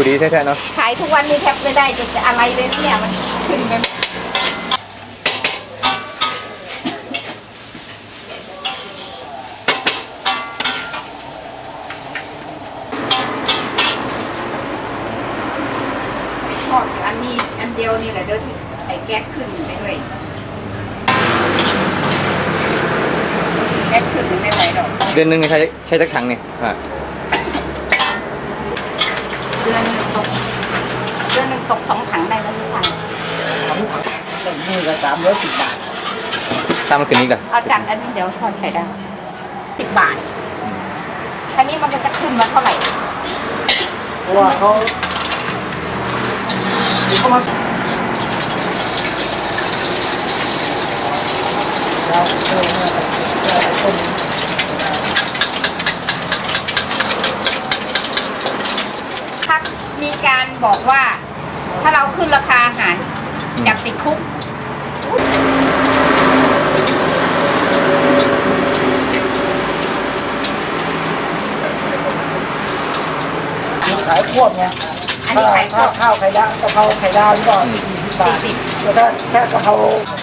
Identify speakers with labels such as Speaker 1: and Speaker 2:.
Speaker 1: ดีแท้ๆเนาะ
Speaker 2: ขายทุกวันนี้แทบไม่ได้จะอะไรเลยเนี่ยมันขึ้นไปทอดอันนี้อันเดียวนี่แหละเดี๋ยวที่ไอ้แก๊สขึ้นไปด้วยแก๊สขึ้นไม่ไหวหรอก
Speaker 1: เดือนหนึงนี่ใช้จักถังนี่
Speaker 2: เดือนหนึ่งตก2 ถังได้แล้วพี่ชาย
Speaker 3: หนึ่งมือก็310 บาท
Speaker 1: ตามมาขึ้นอีกเหรอ
Speaker 2: เอาจัดอันนี้เดี๋ยวทอดไข่ดาว10 บาทอันนี้มันจะขึ้นมาเท่าไหร่
Speaker 3: เพราะว่าเขามา
Speaker 2: ถ้ามีการบอกว่าถ้าเราขึ้นราคาอาหารอยากติดคุก
Speaker 3: ขายควบไงข้าวไข่ดาวกะเพราไข่ดาวนี่ก็40 บาทแต่ถ้ากะเพรา